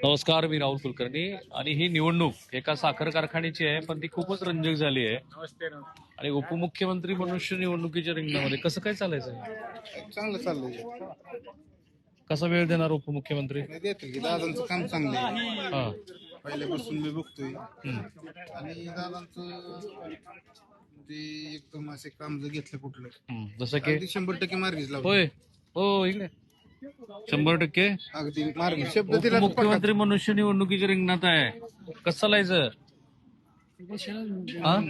नमस्कार, मी राहुल कुलकर्णी. आणि ही निवडणूक एका साखर कारखान्याची आहे, पण ती खूपच रंजक झाली आहे. आणि उपमुख्यमंत्री मनुष्य निवडणुकीच्या रिंगणामध्ये कसं काय चालायचं? चांगलं चाललंय. कसा वेळ देणार उपमुख्यमंत्री? देतील की दादांचं काम चांगलं आहे. हा. पहिल्यापासून मी बघतोय हम्म. आणि दादांचं ते एकदम असे काम जर घेतलं कुठलं जसं की अगदी 100% मार्गीच लावतो. होय हो इकडे 100% अगदी मार्गी शब्द दिला तर उपमुख्यमंत्री मनुष्य निवडणुकीच्या रिंगणात आहे. कसं चालायचं? हा?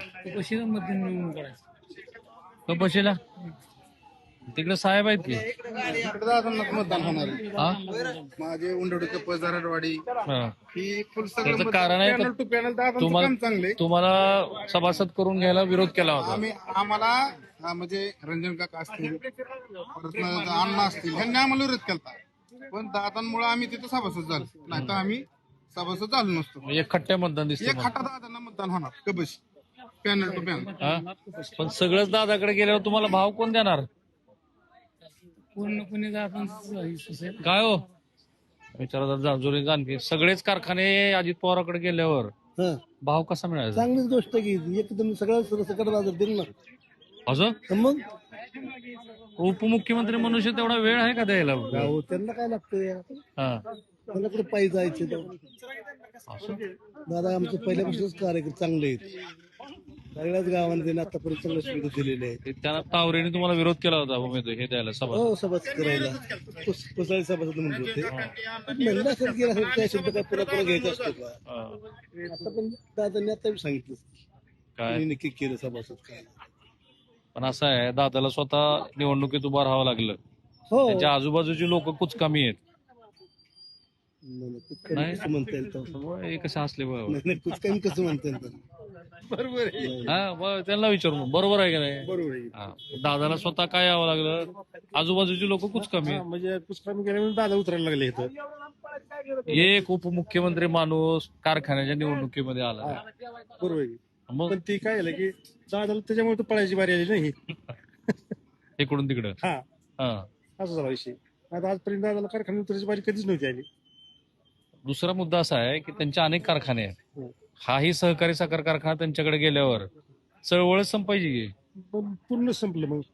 कपाशीला तिकडे साहेब आहेत की. पडतात. दादांनाच मतदान होणार आहे. हा? माझे उंडवडी कप्पा जारडवाडी हा. ही फुल त्याचं सगळं कारण आहे पॅनल टू पॅनल दादांचं तुम्हाला काम चांगलंय. तुम्हाला सभासद करून घ्यायला विरोध केला होता. आम्हाला म्हणजे रंजन काका असतील परत अण्णा असतील ह्यांनी आम्हाला विरोध केला, पण दादांमुळे आम्ही तिथे सभासद झालो, नाही तर आम्ही सभासद झालो नसतो. एक खट्ट्या मतदान दिसतं एक खटा दादांना मतदान होणार कबश पॅनल टू पॅनल. हा? पण सगळंच दादाकडे गेल्यावर तुम्हाला भाव कोण देणार? पूर्णपणे काय हो विचारा जाणजोरी आणखी सगळेच कारखाने अजित पवाराकडे गेल्यावर भाव कसा मिळायचा? चांगलीच गोष्ट की एकदम सगळं सकट बाजार दिल ना. असं मग उपमुख्यमंत्री मनुष्य तेवढा वेळ आहे का द्यायला? गाव त्यांना काय लागतंय, हा. त्यांना कुठे पायी जायचे तर. असं? दादा आमचं पहिल्यापासूनच कार्यक्रम चांगले आहेत. सगळ्याच गावांना त्यांनी आतापर्यंत चांगलं सुविधा दिलेले आहेत. त्यांना तावरेने तुम्हाला विरोध केला होता उमेदवार हे द्यायला सभा. हो सभासद करायला कुसाळी सभासद म्हणत होते. म्हणलं असेल की असेल त्या शब्द काय पुन्हा पुन्हा घ्यायचा असतो का? आता पण दादांनी आता बी सांगितलं काय त्यांनी नक्की केलं सभासद काय. पण असं आहे, दादाला स्वतः निवडणुकीत उभं राहावं लागलं. हो त्यांच्या आजूबाजूची लोक कुच कमी आहेत. नाही, कसं म्हणता येईल तर. हे कसे असले बघ. नाही कुछ कमी कसं म्हणता येईल तर. बरोबर आहे. हा बरं, त्यांना विचारून बरोबर आहे का नाही? बरोबर आहे. हा. दादाला स्वतः काय यावं लागलं, आजूबाजूची लोक कुच कमी आहेत. म्हणजे पुष्कळ गेल्यामुळे दादा उतरायला लागले इथं. एक उपमुख्यमंत्री माणूस कारखान्याच्या निवडणुकीमध्ये आला. बरोबर आहे. मग पण ती काय झालं की दादाला त्याच्यामुळे तर पळायची बारी आली नाही. इकडून तिकडं. हा हा. असा झाला विषय. आता आजपर्यंत दादाला कारखान्यात उतरायची बारी कधीच नव्हती आली. दुसरा मुद्दा असा आहे की त्यांचे अनेक कारखाने आहेत. हो. हाही सहकारी साखर कारखाना त्यांच्याकडे गेल्यावर चळवळच संपायची की. पण पूर्ण संपलं मग.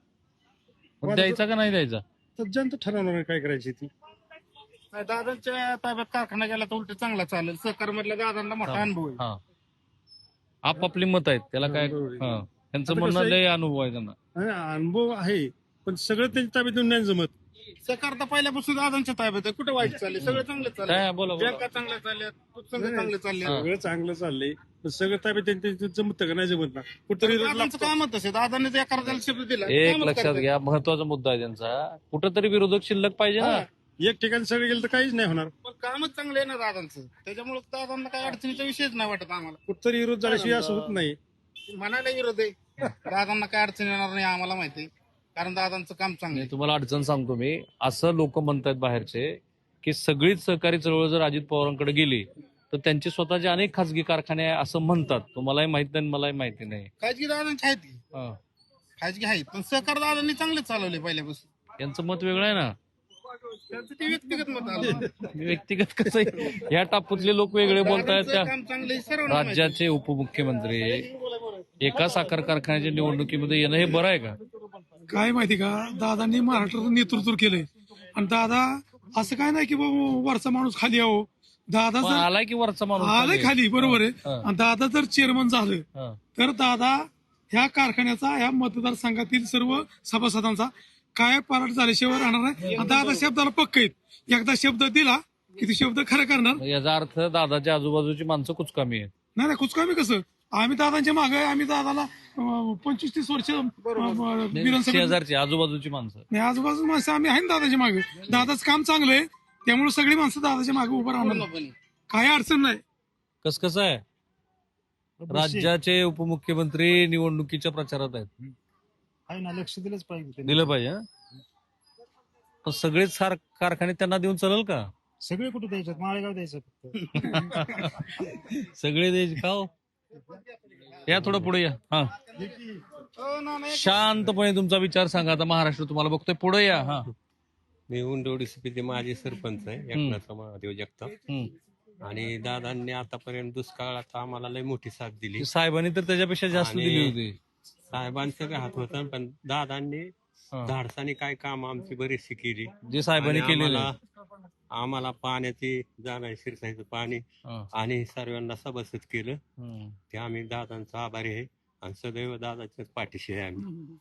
मग द्यायचा का नाही द्यायचा? तर जनता ठरवणार आहे काय करायची ती. नाही, दादांच्या ताब्यात कारखाना गेला तर उलट चांगला चालेल. सहकार मधल्या दादांना मोठा अनुभव आहे. हा. आपापली मत आहेत त्याला काय. बरोबर आहे. हा. त्यांचं आता म्हणणं कसं आहे- लय अनुभव आहे त्यांना. आणि अनुभव आहे पण सगळं त्यांच्या ताब्यात येऊन नाही जमत. सहकार तर पहिल्यापासून दादांच्या ताब्यात आहे. कुठे वाईट चालले, सगळं चांगलं चाललंय. काय बोला बोला. बँका चांगल्या चालल्यात, पुस्तकं चांगले चालले. हा. सगळं चांगलं चाललंय पण सगळं ताब्यात त्यांच्या जमत का नाही जमत ना. कुठतरी दादांचं कामच तसे, दादांनी त्या कर्जाला शब्द दिला एक कामच लक्षात करतात. घ्या, महत्वाचा मुद्दा आहे त्यांचा. कुठंतरी विरोधक शिल्लक पाहिजे ना. एक ठिकाणी सगळं गेलं तर काहीच नाही होणार. पण कामच चांगलं आहे ना दादांचं, त्याच्यामुळे दादांना काही अडचणीचा विषयच नाही वाटत आम्हाला. कुठतरी विरोध झाल्याशिवाय असं होत नाही. म्हणायला विरोध आहे, दादांना काय अडचण येणार नाही आम्हाला माहिती आहे, कारण दादांचं काम चांगलं मी आहे. तुम्हाला अडचण सांगतो. मी असं लोक म्हणतात बाहेरचे की सगळीच सहकारी चळवळ जर अजित पवारांकडे गेली तर त्यांचे स्वतःचे अनेक खासगी कारखाने आहे असं म्हणतात. तुम्हालाही माहित नाही मलाही माहिती नाही. खाजगी दादांची आहेत की, हा. खाजगी आहेत, पण सहकार दादांनी चांगले चालवले पहिल्यापासून. यांचं मत वेगळं आहे ना. त्यांचं ते व्यक्तिगत मत आलं. व्यक्तिगत कसं आहे, ह्या टापूतले लोक वेगळे बोलतायत. दादांचं त्या काम चांगलं आहे, सर्वांना माहिती आहे. राज्याचे उपमुख्यमंत्री एका साखर कारखान्याच्या निवडणुकीमध्ये येणं हे बरं आहे का? काय माहिती का, दादांनी महाराष्ट्राचं नेतृत्व केलंय आणि दादा असं काय नाही की बाबा वरचा माणूस खाली यावं. दादा मग जर आलाय की वरचा माणूस आलाय खाली, बरोबर आहे. हा. आणि दादा जर चेअरमन झालं हा. तर दादा ह्या कारखान्याचा ह्या मतदारसंघातील सर्व सभासदांचा काय पाराट झाल्याशिवाय राहणार नाही. आणि दादा शब्दाला पक्क आहेत. एकदा शब्द दिला की ते शब्द खरं करणार. मग याचा अर्थ दादाच्या आजूबाजूची माणसं कुच कमी आहेत. नाही कुचकामी कसं, आम्ही दादांच्या मागे आहे. आम्ही दादाला 25-30 वर्ष विधानसभेत शेजारची आजूबाजूची माणसं. नाही, आजूबाजू माणसं आम्ही आहे ना दादाच्या मागे. दादाचं काम चांगलं आहे त्यामुळे सगळी माणसं दादाच्या मागे उभं राहणार. पूर्णपणे. काही अडचण नाही. कसं आहे, राज्याचे उपमुख्यमंत्री निवडणुकीच्या प्रचारात आहेत. आहे ना, लक्ष दिलंच पाहिजे. दिलं पाहिजे. हं? पण सगळेच कारखाने त्यांना देऊन चालेल का? सगळे कुठे द्यायचं, माळेगाव द्यायचं फक्त. सगळे द्यायचे का हो? या थोडं पुढे या. हा, हो ना, नाही. शांतपणे तुमचा विचार सांगा. आता महाराष्ट्र तुम्हाला बघतोय. पुढे या. हा. मी उंडवडी सीपीचे माजी सरपंच आहे, एकनाथ महादेव जगताप. हम्म. आणि दादांनी आतापर्यंत दुष्काळात आम्हाला लय मोठी साथ दिली. साहेबांनी तर त्याच्यापेक्षा जास्त आणि दिली होती. साहेबांचं बी हात होतं, पण दादांनी हा. धाडसाने काय काम आमची बरीचशी केली. जे साहेबांनी आणि केलेलं आम्हाला पाण्याची जाणार शिरसायचं पाणी आणि सर्वांना सभासद केलं. ते आम्ही दादांचा आभारी आहे आणि सदैव दादाच्याच पाठीशी आहे आम्ही.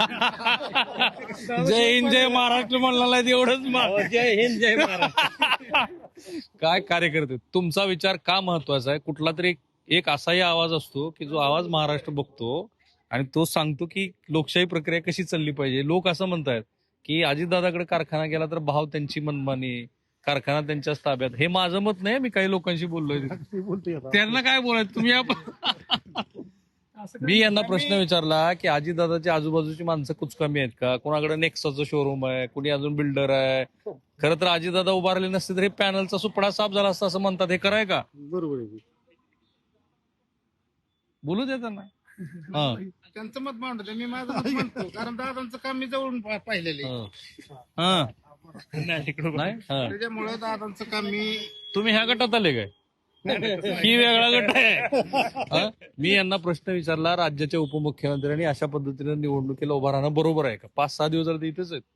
जय हिंद जय महाराष्ट्र म्हणला एवढंच. जय हिंद जय महाराष्ट्र. काय कार्यकर्ते, तुमचा विचार का महत्वाचा आहे? कुठला तरी एक असाही आवाज असतो की जो आवाज महाराष्ट्र बघतो आणि तो सांगतो की लोकशाही प्रक्रिया कशी चालली पाहिजे. लोक असं म्हणतात की अजितदादाकडे कारखाना गेला तर भाव त्यांची मनमानी, कारखाना त्यांच्याच ताब्यात. हे माझं मत नाही, मी काही लोकांशी बोललोय. त्यांना काय बोलायचं तुम्ही? मी यांना प्रश्न विचारला की अजितदादाच्या आजूबाजूची माणसं कुचकामी आहेत का? कोणाकडे नेक्साचं शोरूम आहे, कुणी अजून बिल्डर आहे. खरं तर अजितदादा उभारले नसते तर हे पॅनलचा सुपडा साफ झाला असता असं म्हणतात. हे खरं आहे का? बरोबर आहे. बोलू दे त्यांना. हा. त्यांचं मत मांडतो, मी माझं मत म्हणतो. कारण दादांचं काम मी जवळून पाहिलेलं आहे. हा. नाही हा. त्याच्यामुळे दादांचं काम मी तुम्ही ह्या गटात आले काय? ही वेगळा गट आहे. हा? मी यांना प्रश्न विचारला, राज्याच्या उपमुख्यमंत्र्यांनी अशा पद्धतीने निवडणुकीला उभा राहणं बरोबर आहे का? 5-6 दिवस झाले इथेच आहेत.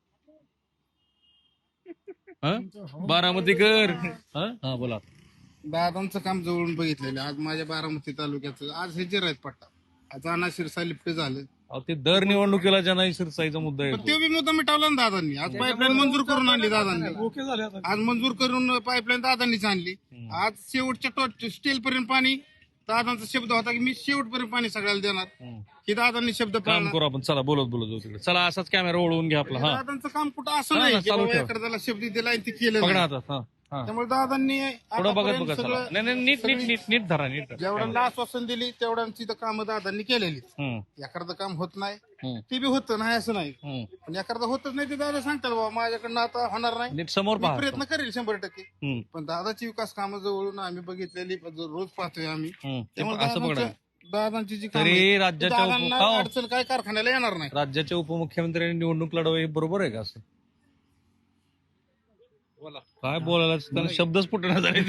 बारामतीकर. हा बोला. दादांचं काम जवळून बघितलेलं आहे. आज माझ्या बारामती तालुक्याचं आज हे जिरायत पट्टा, आज अना शिरसा लिफ्ट झालं. अहो, ते दर निवडणुकीला जनाई शिरसाईचा मुद्दा पण येतो. ते बी मुद्दा मिटावला ना दादांनी. आज पाईपलाईन मंजूर करून आणली दादांनी. ओके झाले आता. आज मंजूर करून पाईपलाईन दादांनीच आणली. आज शेवटच्या स्टील पर्यंत पाणी दादांचा शब्द होता की मी शेवटपर्यंत पाणी सगळ्याला देणार. ही दादांनी शब्द काम पाळला. करू आपण. चला बोलत बोलत जाऊ तिकडे. चला असाच कॅमेरा ओळवून घ्या आपला. हा दादांचं काम कुठं असं हा, नाही ना, की चालू बाबा ठेवा. एखाद्याला शब्द दिला आणि ते केलं पकडा नाही. हातात. हा हा. त्यामुळे दादांनी पुढं बघत आतापर्यंत बघा. चला सगळं नाही नाही, नीट नीट नीट नीट धरा, नीट धरा. जेवढ्यांना आश्वासन दिली तेवढ्यांची तर कामं दादांनी केलेली. हम्म, एखादं काम होत नाही हम्म, ते बी होतं नाही असं नाही, हम्म. पण एखादं होतच नाही ते दादा सांगतात बाबा माझ्याकडनं आता होणार नाही, नीट समोर मी पहा. प्रयत्न करेल 100%. हम्म, पण दादाची विकास कामं जवळून आम्ही बघितलेली रोज पाहतोय आम्ही. हम्म. त्यामुळे असं बघा. दादांची जी कामं तरी आहेत, राज्याच्या दादांना हो. अडचण काय कारखान्याला येणार नाही. राज्याच्या उपमुख्यमंत्र्यांनी निवडणूक लढवावी, हे बरोबर आहे का? असं काय बोलायला त्यांना शब्दच फुटणार झाले.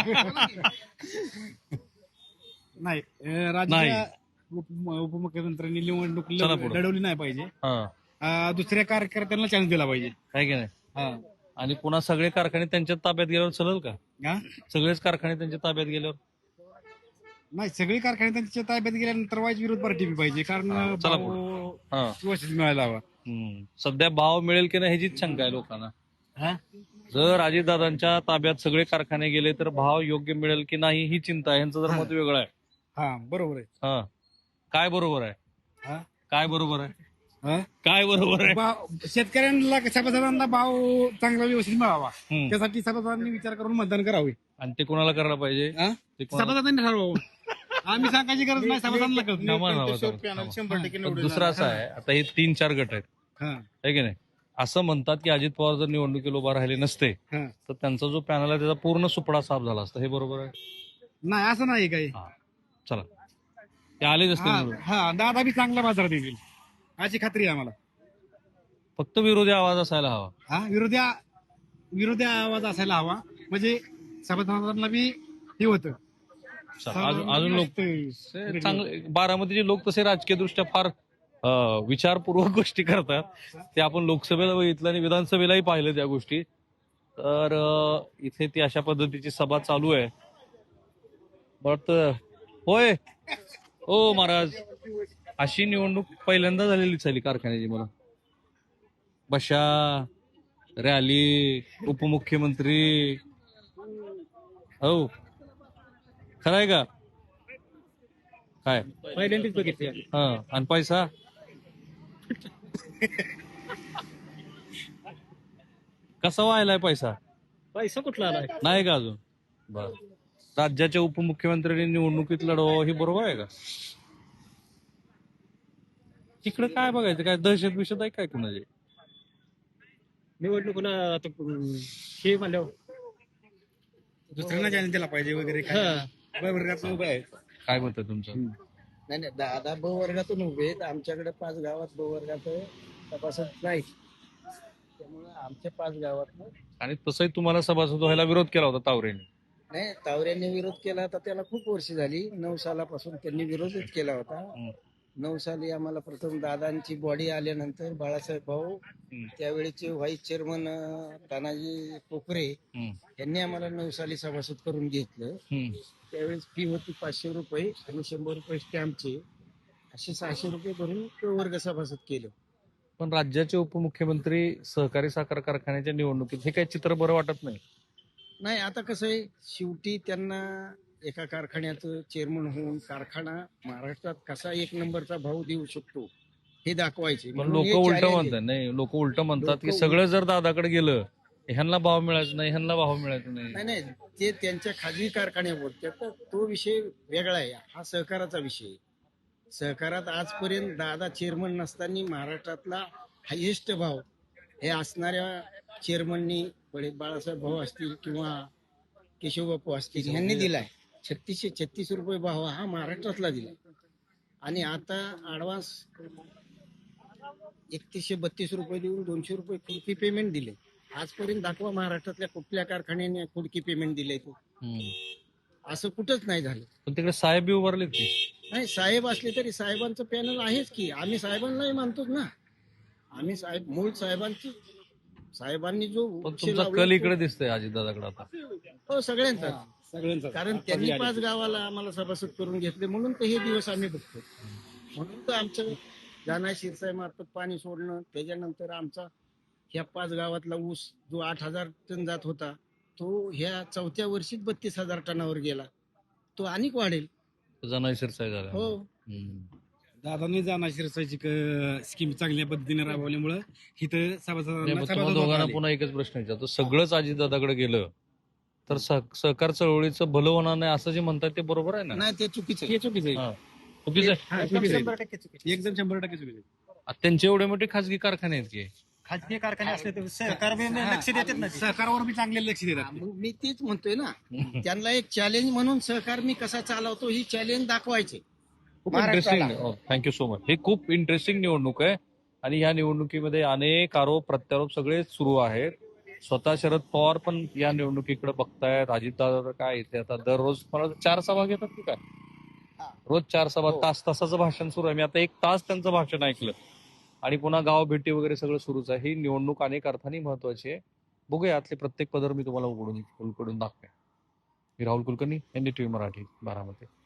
नाही नाही. राज्याच्या उपमुख्यमंत्र्यांनी निवडणूक चला पुढं. लढवली नाही पाहिजे. हा, दुसऱ्या कार्यकर्त्यांना चान्स दिला पाहिजे. आहे की नाही? हा. आणि पुन्हा सगळे कारखाने त्यांच्या ताब्यात गेल्यावर चालेल का? हा? सगळेच कारखाने त्यांच्या ताब्यात गेल्यावर नाही, सगळी कारखाने त्यांच्या ताब्यात गेल्यानंतर वाईज विरोध पार्टी बी पाहिजे, कारण चला भाव हा. व्यवस्थित मिळायला हवा. सध्या भाव मिळेल की नाही ह्याचीच शंका आहे लोकांना. हा? जर अजितदादांच्या ताब्यात सगळे कारखाने गेले तर भाव योग्य मिळेल की नाही ही चिंता आहे. यांचं जर मत वेगळं आहे. हा, बरोबर आहे. हा, काय बरोबर आहे? हा? काय बरोबर आहे? हा? काय बरोबर आहे? शेतकऱ्यांना सभासदांना भाव चांगला व्यवस्थित मिळावा, हम्म. त्यासाठी सभासदांनी विचार करून मतदान करावे. आणि ते कोणाला करायला पाहिजे? हा? ते कोणाला- सभासदांनी ठरवावं. आम्ही सांगायची गरज नाही, सभासदांना कळत. थांबा ना, त्यांच्याशिवाय थांबा. पॅनल 100% पण निवडून दुसरं असं आहे, आता हे 3-4 गट आहेत, हा. आहे की नाही? असं म्हणतात की अजित पवार जर निवडणुकीला उभा राहिले नसते हा. तर त्यांचा जो पॅनल आहे त्याचा पूर्ण सुपडा साफ झाला असता. हे बरोबर आहे? नाही, असं नाही काही. हा, चला ते आलेच असते निवडून. हा, दादा बी चांगला बाजारात येईल अशी खात्री आहे आम्हाला. फक्त विरोधी आवाज असायला हवा. हा, विरोधी आवाज असायला हवा, म्हणजे सभासदांना बी हे होतं. अजून लोक चांगले बारामतीचे लोक तसे राजकीय दृष्ट्या फार विचारपूर्वक गोष्टी करतात. ते आपण लोकसभेला बघितलं आणि विधानसभेलाही पाहिलं त्या गोष्टी. तर इथे ती अशा पद्धतीची सभा चालू आहे. बट होय ओ महाराज, अशी निवडणूक पहिल्यांदा झालेली चाली कारखान्याची. मला बशा, रॅली, उपमुख्यमंत्री, हो खरं आहे का? काय पहिल्यांदाच बघितले. हा, आणि पैसा कसा व्हायलाय? पैसा कुठला आलाय? नाही का अजून? बर, राज्याच्या उपमुख्यमंत्र्यांनी निवडणुकीत लढवावं हे बरोबर आहे का? तिकडे काय बघायचं? काय दहशत बिशत आहे काय कुणाची? निवडणुकीला आता हे म्हणल्यावर दुसऱ्यांना चान्स दिला पाहिजे वगैरे काय. वर्गातून उभं आहे. काय मत आहे तुमचं? नाही नाही, दादा ब वर्गातून उभे आहेत. आमच्याकडे 5 गावात ब वर्गात सभासद नाही, त्यामुळे आमच्या 5 गावात आणि तसंही तुम्हाला सभासद व्हायला विरोध केला होता तावरेने. नाही, तावऱ्यांनी विरोध केला होता त्याला खूप वर्ष झाली. 9 सालापासून त्यांनी विरोधच केला होता. 9 साली आम्हाला प्रथम दादांची बॉडी आल्यानंतर बाळासाहेब भाऊ, त्यावेळेचे व्हाईस चेअरमन तानाजी कोकरे यांनी आम्हाला 9 साली सभासद करून घेतलं. त्यावेळेस फी होती 500 रुपये आणि 100 रुपये स्टॅम्पचे, असे 600 रुपये भरून वर्ग सभासद केलं. पण राज्याचे उपमुख्यमंत्री सहकारी साखर कारखान्याच्या निवडणुकीत हे काही चित्र बरं वाटत नाही. नाही, आता कसं आहे, शेवटी त्यांना एका कारखान्याचं चेअरमन होऊन कारखाना महाराष्ट्रात कसा 1 नंबरचा भाव देऊ शकतो हे दाखवायचे. पण म्हणून लोक हे उलट challenge आहे. म्हणतात, नाही लोक उलट म्हणतात की लोकं सगळं जर दादाकडे गेलं ह्यांना भाव मिळायचा नाही, ह्यांना भाव मिळायचा नाही नाही. नाही, ते त्यांच्या खाजगी कारखान्यावर त्याचा तो विषय वेगळा आहे. हा सहकाराचा विषय आहे. सहकारात आजपर्यंत दादा चेअरमन नसताना महाराष्ट्रातला हायेस्ट भाव हे असणाऱ्या चेअरमननी बाळासाहेब भाऊ असतील किंवा केशवबापू असतील यांनी दिलाय. 3636 रुपये भाव हा महाराष्ट्रातला दिला. आणि आता ऍडव्हान्स 3132 रुपये देऊन 200 रुपये कुडकी पेमेंट दिले. आजपर्यंत दाखवा महाराष्ट्रातल्या कुठल्या कारखान्याने कुडकी पेमेंट दिले ते. असं कुठंच नाही झालं. पण तिकडे साहेब बी उभारलेत की. नाही, साहेब असले तरी साहेबांचं पॅनल आहेच की. आम्ही साहेबांनाही मानतोच ना. आम्ही मूळ साहेबांनी जो पण वृक्ष तुमचा लावला कल इकडे दिसतोय अजितदादाकडे आता. हो, सगळ्यांचा. कारण त्यांनी 5 गावाला आम्हाला सभासद करून घेतले म्हणून तर हे दिवस आम्ही बघतो. म्हणून तर आमचं जाना शिरसाई मार्फत पाणी सोडणं, त्याच्यानंतर आमचा ह्या 5 गावातला ऊस जो 8,000 टन जात होता तो ह्या 4थ्या वर्षीच 32,000 टनावर गेला. तो अनेक वाढेल. जनाई शिरसाई झाला. हो, दादांनी जाणार शिरसाईची स्कीम चांगल्या पद्धतीने राबवल्यामुळं इथं नाही, सभासदांना पण तुम्हाला सभासद दोघांना आले. पुन्हा एकच प्रश्न विचारतो, सगळंच अजितदादाकडे गेलं तर सहकार चळवळीचं भलं होणार नाही असं जे म्हणतात ते बरोबर आहे ना? नाही, ते चुकीचं आहे. हे चुकीचं आहे. हा. चुकीचं आहे. हा, चुकीचं आहे. एकदम 100% चुकीचं आहे. आता त्यांचे एवढे मोठे खासगी कारखाने आहेत की. खाजगी कारखाने असले तर सहकार बी लक्ष देतात ना, सहकारावर बी चांगले लक्ष देतात. मी तेच म्हणतोय ना, त्यांना एक चॅलेंज म्हणून सहकार मी कसा चालवतो ही चॅलेंज दाखवायचे. खूप इंटरेस्टिंग. Thank you so much. ही खूप इंटरेस्टिंग निवडणूक आहे आणि या निवडणुकीमध्ये अनेक आरोप प्रत्यारोप सगळे सुरू आहेत. स्वतः शरद पवार पण या निवडणुकीकडे बघतायत. अजितदादा काय इथे आता दररोज मला 4 सभा घेतात की काय, रोज 4 सभा, तासाचं भाषण सुरू आहे. मी आता 1 तास त्यांचं भाषण ऐकलं आणि पुन्हा गाव भेटी वगैरे सगळं सुरूच आहे. ही निवडणूक अनेक अर्थाने महत्वाची आहे. बघूया यातले प्रत्येक पदर मी तुम्हाला उघडून दाखवेन. मी राहुल कुलकर्णी, NDTV मराठी, बारामती.